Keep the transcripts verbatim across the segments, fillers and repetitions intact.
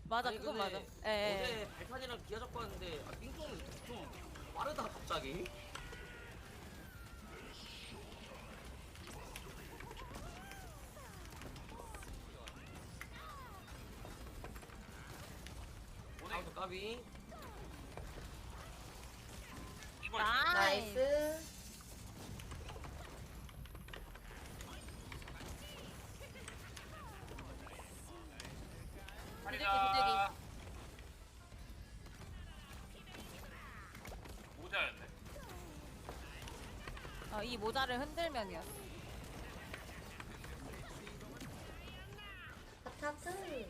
맞아, 아니, 그건 근데 맞아. 예, 예. 어제 발판이랑 기아 잡고 왔는데 아, 삥뽕이 좀 빠르다 갑자기. 다음도 까비. 나이스. 나이스. 비둘기, 비둘기. 모자였네. 어, 이 모자를 흔들면이었어. 하트.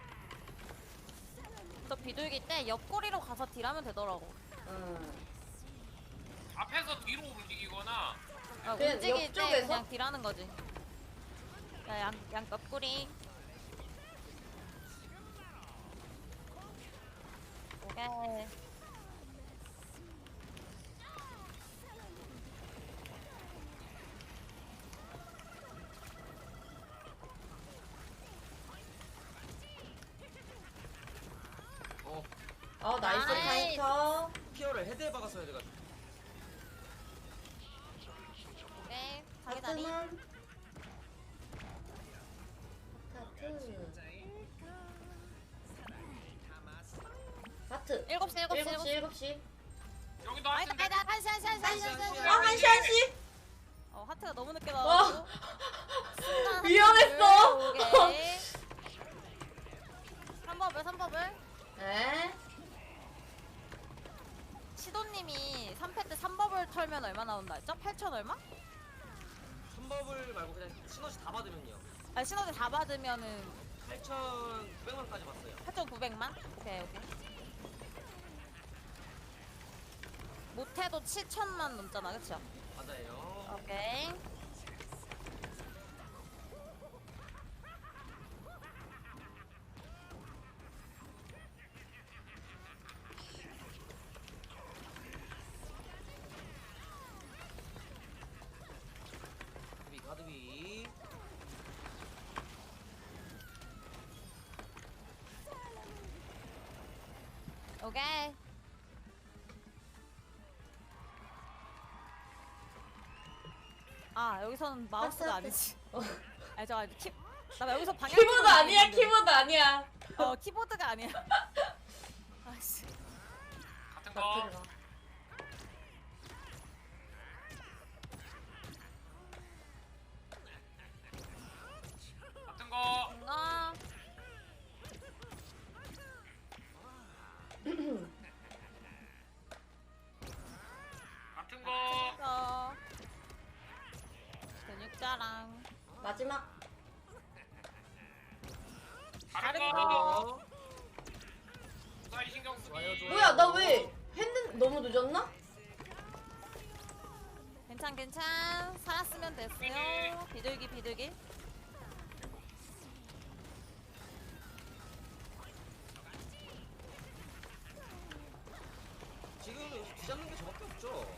저 비둘기 때 옆구리로 가서 딜하면 되더라고. 응. 앞에서 뒤로 움직이거나 아, 그냥 움직일 때 옆쪽에서? 그냥 딜하는 거지. 야, 양, 양 옆구리. 오케이. 어 어, 나이스 나이스. 카운터. 피어를 헤드에 박았어야 돼가지고. 오케이. 자기 다리. 하트만. 하트. 하트. 일곱 시, 일곱 시, 일곱 일곱 시, 시. 일곱 시. 여기도 아니다, 하시는데 아니다. 한시, 한시, 한시, 한시, 한시, 한시. 아, 한시, 한시. 어, 하트가 너무 늦게 나와가지고. 순간 위험했어. 오케이. 삼 버블, 삼 버블. 네. 시도님이 삼 패 때 삼 버블 털면 얼마 나온다 했죠? 팔천 얼마? 삼버블 말고 그냥 시너지 다 받으면요. 아, 시너지 다 받으면은 팔천구백만까지 봤어요. 팔천구백만? 오케이, 오케이. 못해도 칠천만 넘잖아, 그쵸? 맞아요. 오케이. 가드비 가드비. 오케이. 아, 여기서는 마우스가 아니지. 어. 아니, 저 아니, 키, 나 여기서 방향. 키보드 아니야, 키보드 아니야. 어, 키보드가 아니야. 아씨. 같은 거. 하트가. 같은 거. 이거. 같은 거. 이거. 근육자랑. 마지막. 다른 다른 거. 어. 사이 신경 쓰기. 좋아요, 좋아요. 뭐야, 나 왜 했는 너무 늦었나? 괜찮, 괜찮. 살았으면 됐어요. 비둘기, 비둘기. 지금 뒤잡는 게 저밖에 없죠.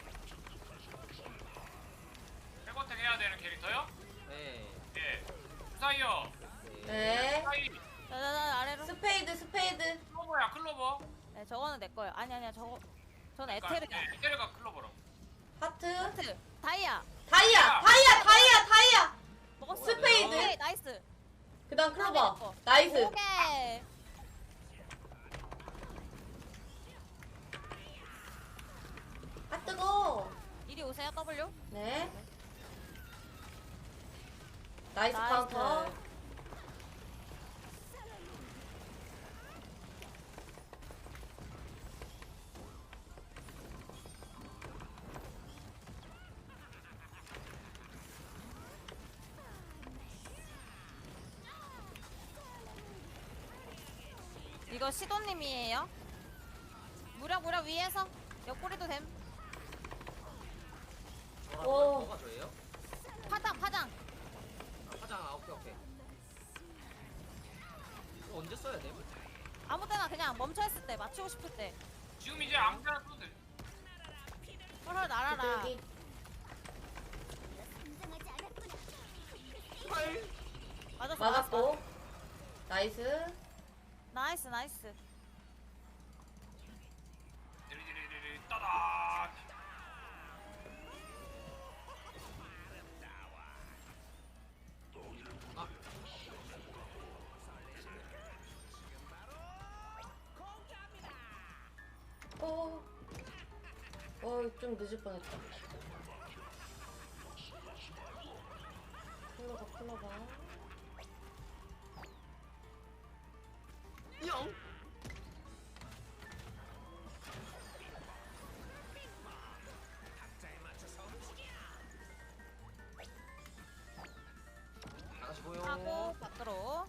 백어택 해야 되는 캐릭터요? 네. 예. 사이요. 네. 사이. 자자자, 아래로. 스페이드, 스페이드. 클로버야 클로버. 네, 저거는 내 거예요. 아니, 아니야, 저거. 저는 그러니까, 에테르가. 예, 에테르가 클로버로. 하트. 하트. 다이아. 다이아, 다이아, 다이아, 다이아. 먹었어. 스페이드. 오케이, 나이스. 그 다음 다음에 클로버. 내 거. 나이스. 오케이. 아, 뜨거. 이리 오세요, W. 네. 나이스 나이스. 카운터. 이거 시도님이에요. 무력 무력 위에서 옆구리도 됨. 뭐라고요? 오. 뭐가 저예요? 파장 파장. 아, 화장. 아, 오케이 오케이. 이거 언제 써야 돼? 아무 때나 그냥 멈춰 있을 때 맞추고 싶을 때. 지금 이제 아무 데나 써도 돼. 헐헐 날아라. 비둘기. 팔. 맞았어. 맞았고. 나이스. 나이스 나이스. 디리디리디리 따다. 아, 어. 어, 좀 늦을 뻔했다. 클로버, 클로버. 영. 나가시고요. 하고 밖으로.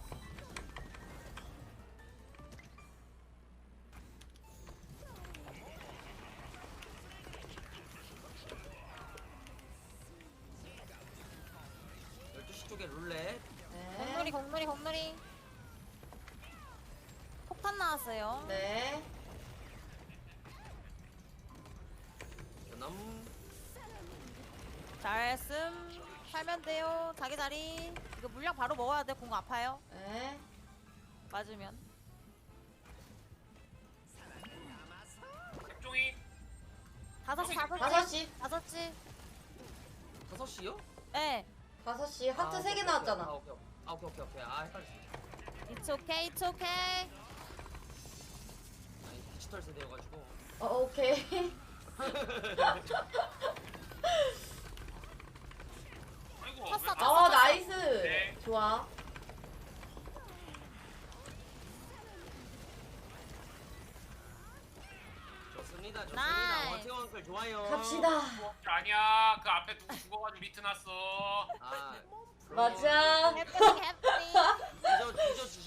열두 시 쪽에 룰렛. 공놀이 네. 공놀이 공놀이. 폭탄 나왔어요. 네. 연암. 잘했음. 살면 돼요. 자기 자리. 이거 물량 바로 먹어야 돼. 공 아파요. 네. 맞으면. 색종이. 다섯 시 다섯 시. 다섯 시. 다섯 시. 다섯 시요? 네. 다섯 시. 하트 아, 세 개 오케이, 나왔잖아. 아, 오케이. 아, 오케이, 오케이, 오케이. 아, 헷갈렸어. It's okay. It's okay. 아니, 디지털 세대여가지고. 어, 오케이. 아이고. 쳤어, 왜- 쳤어. 어, 나이스. 네. 좋아. 좋습니다, 좋습니다. 나이스. 원태원 언클 좋아요. 갑시다. 아니야. 그 앞에 누구 죽어가지고 리트 났어. 아, 맞아. 해프닝 해프닝. 잊어, 잊어주세요.